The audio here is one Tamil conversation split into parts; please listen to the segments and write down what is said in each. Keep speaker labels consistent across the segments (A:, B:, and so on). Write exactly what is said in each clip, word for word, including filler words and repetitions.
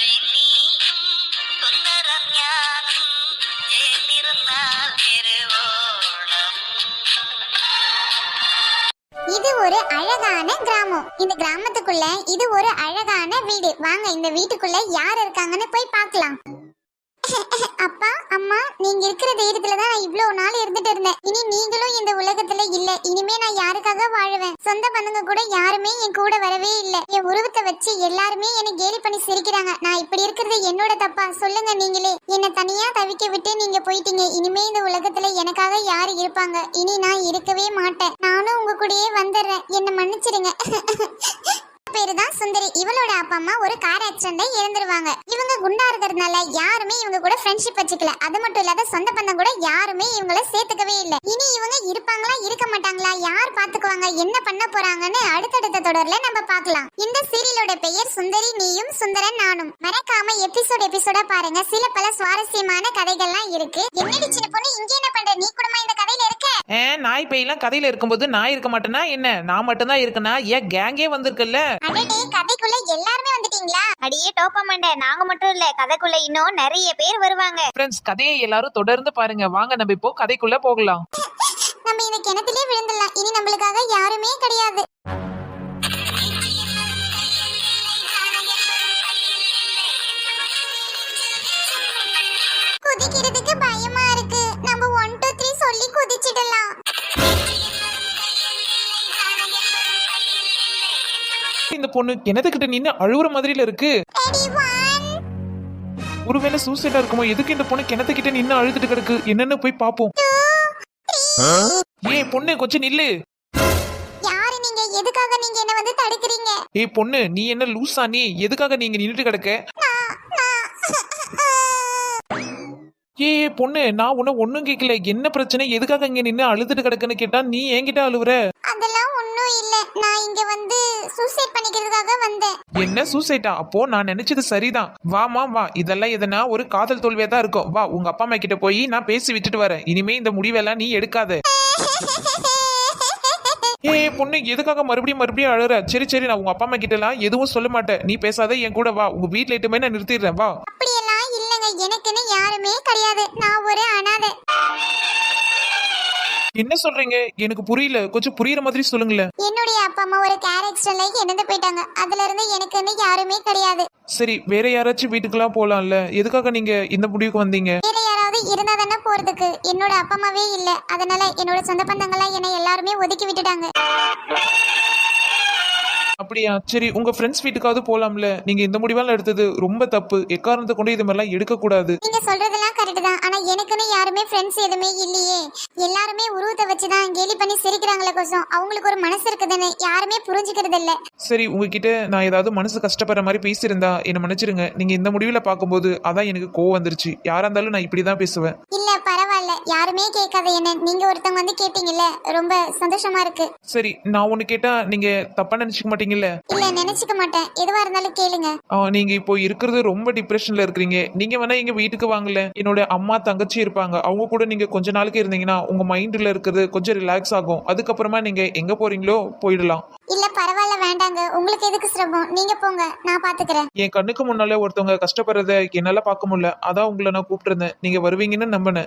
A: இது ஒரு அழகான கிராமம். இந்த கிராமத்துக்குள்ள இது ஒரு அழகான வீடு. வாங்க இந்த வீட்டுக்குள்ள யார் இருக்காங்கன்னு போய் பார்க்கலாம். அப்பா அம்மா, நீங்க இருக்கிற தைரியத்துலதான் நான் இவ்வளவு நாள் இருந்துட்டு இருந்தேன். இனி நீங்களும் இந்த உலகத்துல இல்ல. இனிமே நான் யாருக்காக வாழுவேன்? சொந்த பந்தங்க கூட யாருமே என் கூட வரவே இல்ல. என் உருவத்தை வச்சு எல்லாருமே என்னை கேலி பண்ணி சிரிக்கிறாங்க. நான் இப்படி இருக்கிறது என்னோட தப்பா? சொல்லுங்க நீங்களே. என்னை தனியா தவிக்க விட்டு நீங்க போயிட்டீங்க. இனிமே இந்த உலகத்துல எனக்காக யாரு இருப்பாங்க? இனி நான் இருக்கவே மாட்டேன். நானும் உங்க கூடயே வந்துடுறேன். என்னை மன்னிச்சிடுங்க. பேரு தான் சுந்தரி. இவளோட அப்பா அம்மா ஒரு கார் ஆக்சிடென்ட்ல இறந்துருவாங்க. இவங்க குண்டா இருக்கிறதுனால யாருமே இவங்க கூட ஃப்ரெண்ட்ஷிப் வச்சுக்கல. அது மட்டும் இல்லாத சொந்த பந்தம் கூட யாருமே இவங்கள சேர்த்துக்கவே இல்ல. இனி இவங்க இருப்பாங்களா இருக்க மாட்டாங்களா, யார் பாத்துக்குவாங்க, என்ன பண்ண போறாங்கன்னு அடுத்தடுத்த தொடர்ல நம்ம பார்க்கலாம். இந்த சீரியலோட பெயர் சுந்தரி நீயும் சுந்தரன் நானும். மறக்காம எபிசோட் எபிசோடா பாருங்க. சில பல சுவாரஸ்யமான கதைகள்லாம் இருக்கு. என்னடி சின்ன பொண்ணு, இங்க என்ன பண்ற? நீ கூடமா இந்த கதையில இருக்க?
B: நாய் பேயெல்லாம் கதையில இருக்கும்போது நான் இருக்க மாட்டேனா என்ன? நான் மட்டும் தான் இருக்கனா? ஏன் கேங்கே வந்திருக்குல்ல?
A: அடடே, கதைக்குள்ள எல்லாரும் வந்துட்டீங்களா? அடியே டோப்பமண்ட, நாங்க மட்டும் இல்ல, கதைக்குள்ள இன்னும் நிறைய பேர் வருவாங்க.
B: ஃப்ரெண்ட்ஸ், கதையை எல்லாரும் தொடர்ந்து பாருங்க. வாங்க நம்ம இப்போ கதைக்குள்ள போகலாம்.
A: நம்ம இந்த கிணத்திலே விழுந்துடலாம். இனி நம்மளுக்காக யாருமே கிடையாது. குதிக்கிறதுக்கு பயமா இருக்கு. நம்ம ஒன் டூ த்ரீ சொல்லி குதிச்சிடலாம்.
B: இந்த பொண்ணு கிணத்துக்கிட்ட நின்னு அழுவுற மாதிரில இருக்கு. ஒருவேளை சூசைடா இருக்குமோ? எதுக்கு இந்த பொண்ணு கிணத்துக்கிட்ட நின்னு அழுதுட்டு கிடக்கு? என்னன்னு போய் பாப்போம். ஏய் பொண்ணு, கொஞ்சம் நில்லு.
A: யாரு நீங்க? எதுக்காக நீங்க என்ன வந்து தடுக்குறீங்க?
B: ஏய் பொண்ணு, நீ என்ன லூசா? நீ எதுக்காக நீங்க நின்னுட்டு கிடக்க? ஏ பொண்ணு, நான் உன்ன ஒண்ணும் கேட்கல. என்ன பிரச்சனை? எதுக்காக இங்க நின்னு அழுதுட்டு கிடக்குன்னு கேட்டா நீ என்கிட்ட அழுவுற?
A: அதெல்லாம் ஒண்ணும் இல்ல. நான் இங்க வந்து சூசைட் பண்ணிக்கிறதுக்காக வந்தேன்.
B: என்ன சூசைட்டா? அப்போ நான் நினைச்சது சரிதான். வாமா வா. இதெல்லாம் எதனா ஒரு காதல் தோல்வியா தான் இருக்கும். வா, உங்க அப்பா அம்மா கிட்ட போய் நான் பேசி விட்டுட்டு வரேன். இனிமே இந்த முடிவெல்லாம் நீ எடுக்காத. ஏ பொண்ணு, எதுக்காக மறுபடியும் மறுபடியும் அழுற? சரி சரி, நான் உங்க அப்பா அம்மா கிட்ட எல்லாம் எதுவும் சொல்ல மாட்டேன். நீ பேசாத, என் கூட வா. உங்க வீட்டுல இட்டுமே நான் நிறுத்திடுறேன். வா.
A: அப்படியெல்லாம் இல்லங்க, எனக்குன்னு யாருமே கிடையாது. நான் ஒரு அனாதை.
B: என்ன சொல்றீங்க? எனக்கு புரியல. கொஞ்சம் புரியுற மாதிரி சொல்லுங்களேன்.
A: என்னுடைய அப்பா அம்மா ஒரு கார் ஆக்சிடென்ட்ல இறந்து போயிட்டாங்க. அதுல இருந்து எனக்குன்னு யாருமே கிடையாது.
B: சரி, வேற யாராச்சும் வீட்டுக்கெல்லாம் போலாம்ல? எதுக்காக நீங்க இந்த முடிவுக்கு வந்தீங்க?
A: வேற யாராவது இருந்தா தானே போறதுக்கு. என்னோட அப்பா அம்மாவே இல்ல. அதனால என்னோட சொந்த பந்தங்களா என்னை எல்லாருமே ஒதுக்கி விட்டுட்டாங்க.
B: அப்படியா? சரி, உங்க ஃப்ரெண்ட்ஸ் வீட்டுக்காவது போலாம்ல? நீங்க இந்த முடிவெல்லாம் எடுத்தது ரொம்ப தப்பு. எக்காரணத்தை கொண்டு இது மாதிரிலாம் எடுக்க கூடாது.
A: நீங்க சொல்றதெல்லாம் கரெக்ட் தான். ஆனா எனக்குன்னு யாருமே ஃப்ரெண்ட்ஸ் எதுவுமே இல்லையே. எல்லாருமே உருவத்தை வச்சுதான் கேலி பண்ணி சிரிக்கிறாங்களே கோசம். அவங்களுக்கு ஒரு மனசு இருக்குதுன்னு யாருமே புரிஞ்சுக்கிறது இல்ல.
B: சரி, உங்ககிட்ட நான் ஏதாவது மனசு கஷ்டப்படுற மாதிரி பேசியிருந்தா என்ன மன்னிச்சிருங்க. நீங்க இந்த முடிவுல பாக்கும்போது அதான் எனக்கு கோவம் வந்துருச்சு. யாரா இருந்தாலும் நான் இப்படிதான் பேசுவேன்.
A: இல்ல பரவாயில்ல, யாருமே கேட்காத என்ன நீங்க ஒருத்தவங்க வந்து கேட்டீங்கல்ல, ரொம்ப சந்தோஷமா இருக்கு.
B: சரி, நான் ஒண்ணு கேட்டா நீங்க தப்பா நினைச்சுக்க மாட்டீங்கல்ல?
A: இல்ல, நினைச்சுக்க மாட்டேன். எதுவா இருந்தாலும் கேளுங்க.
B: நீங்க இப்போ இருக்கிறது ரொம்ப டிப்ரெஷன்ல இருக்கீங்க. நீங்க வேணா எங்க வீட்டுக்கு வாங்கல. என்னோட அம்மா தங்கச்சி இருப்பாங்க. அவங்க கூட நீங்க கொஞ்ச நாளுக்கு இருந்தீங்கன்னா உங்க மைண்ட்ல இருக்கிறது கொஞ்சம் ரிலாக்ஸ் ஆகும். அதுக்கப்புறமா நீங்க எங்க போறீங்களோ போயிடலாம்.
A: இல்ல பரவாயில்ல, வேண்டாங்க. உங்களுக்கு எதுக்கு சிரமம்? நீங்க போங்க, நான் பாத்துக்கிறேன்.
B: என் கண்ணுக்கு முன்னாலே ஒருத்தவங்க கஷ்டப்படுறத என்னால பார்க்க முடியல. அதான் உங்களை நான் கூப்பிட்டு இருந்தேன். நீங்க வருவீங்கன்னு நம்பினேன்.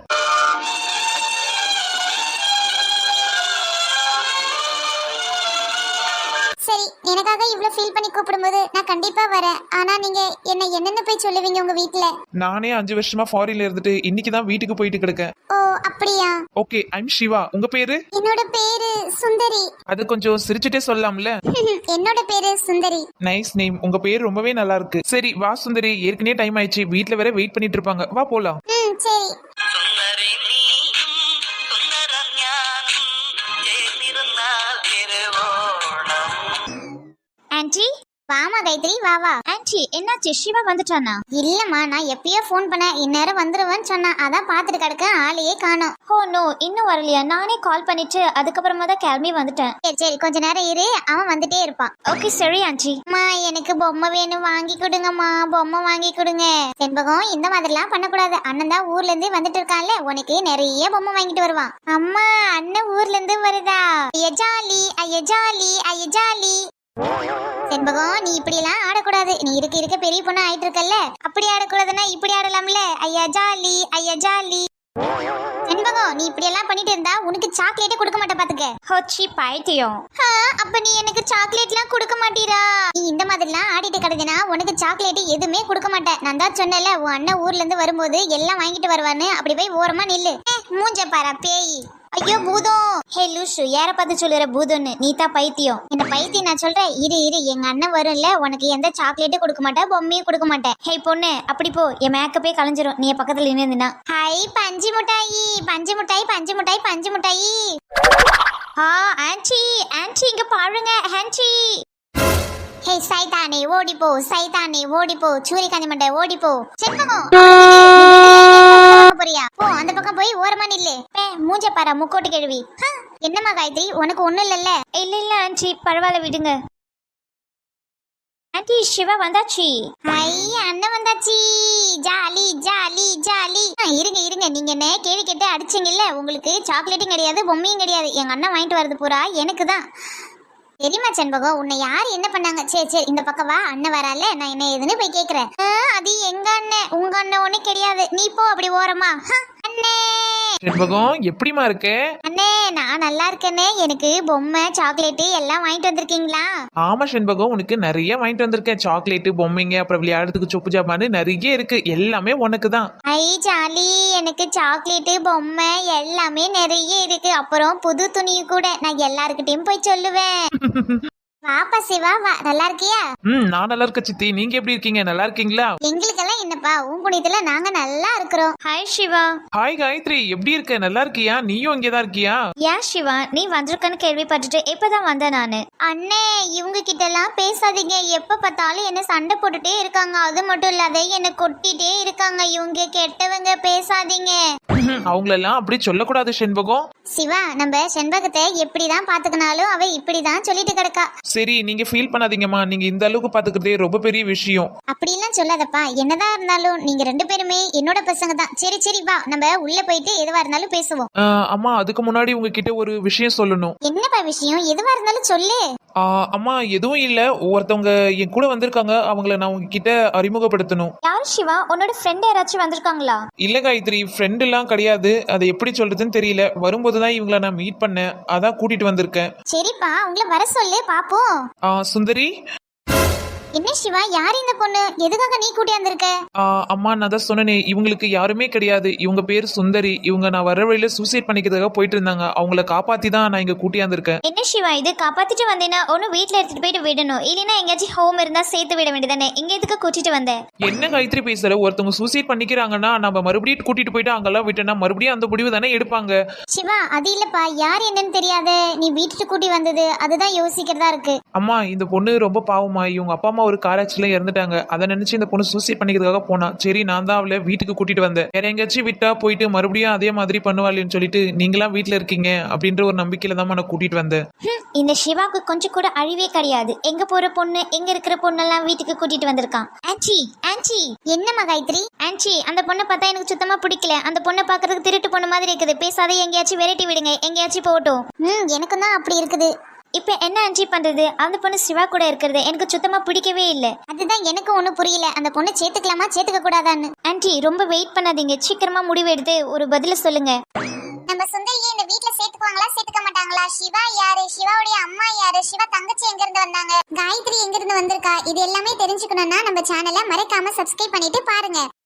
A: சரி, எனக்காக இவ்ளோ ஃபீல் பண்ணி கூப்பிடும்போது நான் கண்டிப்பா வரேன். ஆனா நீங்க என்ன என்னன்னு போய் சொல்லுவீங்க உங்க வீட்ல?
B: நானே அஞ்சு வருஷமா ஃபாரின்ல இருந்துட்டு இன்னைக்கு தான் வீட்டுக்கு போயிட்டு கிடக்கேன்.
A: ஓ அப்படியா?
B: Okay, I'm Siva. உங்க பேரு?
A: என்னோட பேரு சுந்தரி.
B: அது கொஞ்சம் சிரிச்சிட்டே சொல்லலாம்ல?
A: என்னோட பேரு சுந்தரி.
B: Nice name. உங்க பேர் ரொம்பவே நல்லா இருக்கு. சரி வா சுந்தரி, ஏற்கனவே டைம் ஆயிடுச்சு. வீட்ல வேற வெயிட் பண்ணிட்டு இருப்பாங்க. வா போலாம்.
A: ம் சரி. ஆன்ட்டி வாமா கைத்ரி, வா வா.
C: ஆன்ட்டி, என்னாச்சு? சிவா வந்துட்டானா?
A: இல்லம்மா, நான் எப்பயோ ஃபோன் பண்ணேன். இந்நேரம் வந்துருவேன்னு சொன்னா. அதான் பாத்துட்டு கிடக்க, ஆளையே காணோம்.
C: ஓ நோ, இன்னும் வரலையா? நானே கால் பண்ணிட்டு அதுக்கப்புறமா தான் கிளம்பி வந்துட்டேன்.
A: சரி சரி, கொஞ்ச நேரம் இரு, அவன் வந்துட்டே இருப்பான்.
C: ஓகே சரி ஆன்ட்டி.
A: அம்மா, எனக்கு பொம்மை வேணும், வாங்கி கொடுங்கம்மா. பொம்மை வாங்கி கொடுங்க. செண்பகம், இந்த மாதிரிலாம் பண்ணக்கூடாது. அண்ணன் தான் ஊர்ல இருந்து வந்துட்டு இருக்கான்ல, உனக்கு நிறைய பொம்மை வாங்கிட்டு வருவான். அம்மா, அண்ணன் ஊர்ல இருந்து வருதா? ஐயா ஜாலி, ஐயா ஜாலி, ஐயா ஜாலி. செண்பகம் நீ இப்படி எல்லாம் ஆடக்கூடாது. நீ இருக்க இருக்க பெரிய பொண்ணு ஆயிட்டு இருக்கல்ல, அப்படி ஆடக்கூடாதுன்னா இப்படி ஆடலாம்ல. ஐயா ஜாலி, ஐயா ஜாலி. செண்பகம் நீ இப்படி எல்லாம் பண்ணிட்டு இருந்தா உனக்கு சாக்லேட்டே கொடுக்க மாட்டேன் பாத்துக்க.
C: ஹோச்சி பைத்தியம்.
A: ஆ, அப்ப நீ எனக்கு சாக்லேட்லாம் கொடுக்க மாட்டீரா? நீ இந்த மாதிரிலாம் ஆடிட்டு கிடந்தினா உனக்கு சாக்லேட் எதுவுமே கொடுக்க மாட்டேன். நான் தான் சொன்னேன்ல, உன் அண்ணன் ஊர்ல இருந்து வரும்போது எல்லாம் வாங்கிட்டு வருவான்னு. அப்படி போய் ஓரமா நில்லு. ஏ, மூஞ்ச பாரா பேய். ஐயோ பூதம்.
C: ஹே லூசு, யார பார்த்து சொல்லுற பூதம்னு? நீ தான் பைத்தியம்.
A: இந்த பைத்தியம் நான் சொல்றேன். இரு இரு எங்க அண்ணன் வரும்ல, உனக்கு எந்த சாக்லேட்டும் கொடுக்க மாட்டேன், பொம்மையும் கொடுக்க மாட்டேன்.
C: ஹே பொண்ணு, அப்படி போ, என் மேக்கப்பே கலைஞ்சிரும் நீ என் பக்கத்துல நின்னுனா.
A: ஹை பஞ்சு முட்டாயி, பஞ்சு முட்டாய், பஞ்சு முட்டாய், பஞ்சு முட்டாயி.
C: ஆ ஆன்ட்டி, ஆன்ட்டி இங்க பாருங்க ஆன்ட்டி.
A: ஹே சைதானே ஓடிப்போ, சைதானே ஓடிப்போ, சூரி காஞ்சி மண்டை ஓடிப்போ. செண்பகம் போறியா? போ அந்த பக்கம் போய் ஓரமா நில்லு. ஏ, மூஞ்ச பாரா முக்கோட்டு கேள்வி. என்னம்மா காயத்ரி, உனக்கு ஒண்ணும் இல்லல்ல?
C: இல்ல இல்ல ஆன்ட்டி, பரவாயில்ல விடுங்க. ஆன்ட்டி சிவா வந்தாச்சு.
A: ஐ அண்ணன் வந்தாச்சு. Jolly jolly jolly. ஆ, இருங்க இருங்க, நீங்க என்ன கேள்வி கேட்டு அடிச்சீங்கல்ல, உங்களுக்கு சாக்லேட்டும் கிடையாது, பொம்மையும் கிடையாது. எங்க அண்ணன் வாங்கிட்டு வரது பூரா எனக்கு தான். தெரியுமா செண்பகம், உன்னை யார் என்ன பண்ணாங்க? சரி சரி இந்த பக்கம் வா, அண்ணன் வரால, நான் என்ன ஏதுன்னு போய் கேக்குறேன். ஆ, அது எங்க அண்ணன், உங்க அண்ணன் ஒண்ணு கிடையாது. நீ போ அப்படி ஓரமா. ஹ, அண்ணே
B: செண்பகம் எப்படிமா இருக்க?
A: அண்ணே நான் நல்லா இருக்கேனே. எனக்கு பொம்மை சாக்லேட்டு எல்லாம் வாங்கிட்டு வந்திருக்கீங்களா?
B: ஆமா செண்பகம், உனக்கு நிறைய வாங்கிட்டு வந்திருக்கேன். சாக்லேட்டு, பொம்மைங்க, அப்புறம் விளையாடுறதுக்கு சொப்பு ஜாமான்னு நிறைய இருக்கு. எல்லாமே உனக்கு தான்.
A: ஐ ஜாலி, எனக்கு சாக்லேட்டு பொம்மை எல்லாமே நிறைய இருக்கு. அப்புறம் புது துணி கூட. நான் எல்லாருக்கிட்டையும் போய் சொல்லுவேன். வாப்பா சிவா வா, நல்லா இருக்கியா?
B: ம் நான் நல்லா இருக்க சித்தி. நீங்க எப்படி இருக்கீங்க? நல்லா இருக்கீங்களா?
A: எங்களுக்கெல்லாம் என்னப்பா, உன் புண்ணியத்துல நாங்க நல்லா இருக்கிறோம்.
C: ஹாய் சிவா.
B: ஹாய் காயத்ரி, எப்படி இருக்க? நல்லா இருக்கியா? நீயும் இங்கதான் இருக்கியா?
C: ஏன் சிவா, நீ வந்திருக்கன்னு கேள்விப்பட்டுட்டு இப்பதான் வந்தேன் நானு.
A: அண்ணே இவங்க கிட்ட எல்லாம் பேசாதீங்க. எப்ப பார்த்தாலும் என்ன சண்டை போட்டுட்டே இருக்காங்க. அது மட்டும் இல்லாத என்ன கொட்டிட்டே இருக்காங்க. இவங்க கெட்டவங்க, பேசாதீங்க.
B: அவங்களெல்லாம் அப்படி சொல்லக்கூடாது செண்பகம்.
A: சிவா, நம்ம செண்பகத்தை எப்படிதான் பாத்துக்கினாலும் அவ இப்படிதான் சொல்லிட்டு கிடக்கா.
B: சரி நீங்க ஃபீல் பண்ணாதீங்கம்மா. நீங்க இந்த அளவுக்கு பாத்துக்கிறதே ரொம்ப பெரிய விஷயம்.
A: அப்படிலாம் சொல்லாதப்பா. என்னதான் இருந்தாலும் நீங்க ரெண்டு பேருமே என்னோட பசங்க தான். சரி சரி வா, நம்ம உள்ள போயிட்டு எதுவா இருந்தாலும் பேசுவோம்.
B: ஆஹ், அம்மா அதுக்கு முன்னாடி உங்ககிட்ட ஒரு விஷயம் சொல்லணும்.
A: என்னப்பா விஷயம்? எதுவா இருந்தாலும் சொல்லு.
B: ஆஹ், அம்மா எதுவும் இல்ல, ஒருத்தவங்க என் கூட வந்திருக்காங்க. அவங்கள நான் உங்ககிட்ட அறிமுகப்படுத்தணும்.
C: யார் சிவா? உன்னோட ஃப்ரெண்ட் யாராச்சும் வந்திருக்காங்களா?
B: இல்ல காயத்ரி, ஃப்ரெண்ட் எல்லாம் கிடையாது. அதை எப்படி சொல்றதுன்னு தெரியல. வரும்போதுதான் இவங்கள நான் மீட் பண்ணேன், அதான் கூட்டிட்டு வந்திருக்கேன்.
A: சரிப்பா, உங்களை வர சொல்லு பாப்போம்.
B: ஆஹ், சுந்தரி.
A: என்ன சிவா, யார் இந்த பொண்ணு? எதுக்காக நீ கூட்டி வந்திருக்க?
B: ஆஹ், அம்மா நான் தான் சொன்னேனே, இவங்களுக்கு யாருமே கிடையாது. இவங்க பேர் சுந்தரி. இவங்க நான் வர வழியில சூசைட் பண்ணிக்கிறதுக்காக போயிட்டு இருந்தாங்க. அவங்கள காப்பாத்தி தான் நான் இங்க கூட்டியாந்துருக்கேன்.
C: என்ன சிவா இது? காப்பாத்திட்டு வந்தேன்னா ஒன்னு வீட்ல எடுத்துட்டு போயிட்டு விடணும், இல்லைன்னா எங்கேயாச்சும் ஹோம் இருந்தா சேர்த்து விட வேண்டியதானே. இங்க எதுக்கு கூட்டிட்டு வந்தேன்?
B: என்ன காயத்ரி பேசுற? ஒருத்தவங்க சூசைட் பண்ணிக்கிறாங்கன்னா நம்ம மறுபடியும் கூட்டிட்டு போயிட்டு அங்கெல்லாம் விட்டோம்னா மறுபடியும் அந்த முடிவு தானே எடுப்பாங்க.
A: சிவா அது இல்லப்பா, யார் என்னன்னு தெரியாத நீ வீட்டுக்கு கூட்டி வந்தது, அதுதான் யோசிக்கிறதா இருக்கு.
B: அம்மா இந்த பொண்ணு ரொம்ப பாவமா. இவங்க அப்பா அம்மா ஒரு கார் ஆக்சிடென்ட்ல இறந்துட்டாங்க. அதை நினைச்சு இந்த பொண்ணு சூசைட் பண்ணிக்கிறதுக்காக போனா. சரி நான் தான் அவளை வீட்டுக்கு கூட்டிட்டு வந்தேன். வேற எங்கேயாச்சும் விட்டா போயிட்டு மறுபடியும் அதே மாதிரி பண்ணுவாள்னு சொல்லிட்டு நீங்களாம் வீட்டுல இருக்கீங்க அப்படின்ற ஒரு நம்பிக்கையில தான் நான் கூட்டிட்டு வந்தேன்.
C: இந்த சிவாக்கு கொஞ்சம் கூட அழிவே கிடையாது. எங்க போற பொண்ணு, எங்க இருக்கிற பொண்ணெல்லாம் வீட்டுக்கு கூட்டிட்டு வந்திருக்கான். Aunty aunty.
A: என்னம்மா காயத்ரி?
C: ஆன்ட்டி, அந்த பொண்ணை பார்த்தா எனக்கு சுத்தமா பிடிக்கல. அந்த பொண்ணை பாக்குறதுக்கு திருட்டு பொண்ணு மாதிரி இருக்குது. பேசாத, எங்கேயாச்சும் வெரைட்டி விடுங்க, எங்கேயாச்சும் போகட்டும்.
A: ம் எனக்கும் தான் அப்படி இருக்குது.
C: இப்ப என்ன ஆன்ட்டி பண்றது? அந்த பொண்ணு சிவா கூட இருக்கிறது எனக்கு சுத்தமா பிடிக்கவே இல்லை.
A: அதுதான் எனக்கு ஒண்ணும் புரியல. அந்த பொண்ணு சேர்த்துக்கலாமா சேர்த்துக்க கூடாதான்னு.
C: ஆன்ட்டி ரொம்ப வெயிட் பண்ணாதீங்க, சீக்கிரமா முடிவு எடுத்து ஒரு பதில சொல்லுங்க.
A: நம்ம சுந்தரியை இந்த வீட்ல சேர்த்துக்குவாங்களா சேர்த்துக்க மாட்டாங்களா? சிவா யாரு? சிவாவுடைய அம்மா யாரு? சிவா தங்கச்சி எங்க இருந்து வந்தாங்க? காயத்ரி எங்க இருந்து வந்திருக்கா? இது எல்லாமே தெரிஞ்சுக்கணும்னா நம்ம சேனலை மறக்காம சப்ஸ்கிரைப் பண்ணிட்டு பாருங்க.